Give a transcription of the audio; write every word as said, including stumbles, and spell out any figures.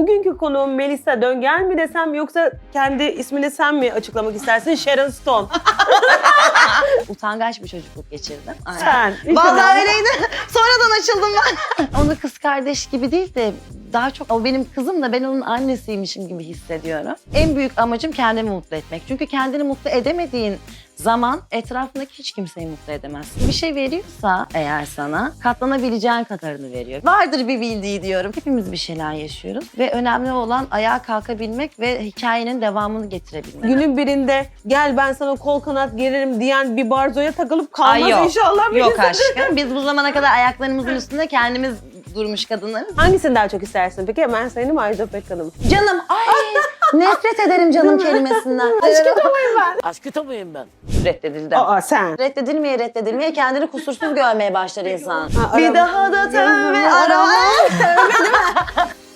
Bugünkü konuğum Melisa Döngel mi desem yoksa kendi ismini sen mi açıklamak istersin? Sharon Stone. Utangaç bir çocukluk geçirdim. Aynen. Sen. İşte Vallahi ben- öyleydi. Sonradan açıldım ben. Onu kız kardeş gibi değil de daha çok o benim kızım da ben onun annesiymişim gibi hissediyorum. En büyük amacım kendimi mutlu etmek. Çünkü kendini mutlu edemediğin zaman etrafındaki hiç kimseyi mutlu edemezsin. Bir şey veriyorsa eğer sana katlanabileceğin kadarını veriyor. Vardır bir bildiği diyorum. Hepimiz bir şeyler yaşıyoruz ve önemli olan ayağa kalkabilmek ve hikayenin devamını getirebilmek. Günün birinde gel ben sana kol kanat geririm diyen bir barzoya takılıp kalmaz Ay yok. inşallah. Yok Melisa. aşkım. Biz bu zamana kadar ayaklarımızın üstünde kendimiz durmuş kadınlarız. Hangisini daha çok istersin peki? Hemen sayayım mı Ajda Pekkan'ı mı? Canım ay nefret ederim canım kelimesinden. Aşk kitabıyım ben. Aşk kitabıyım ben. Reddedildim. Aa sen. Reddedilmeye reddedilmeye kendini kusursuz görmeye başlar insan. Ha, Bir arama. daha da tövbe arama. Tövbe değil mi?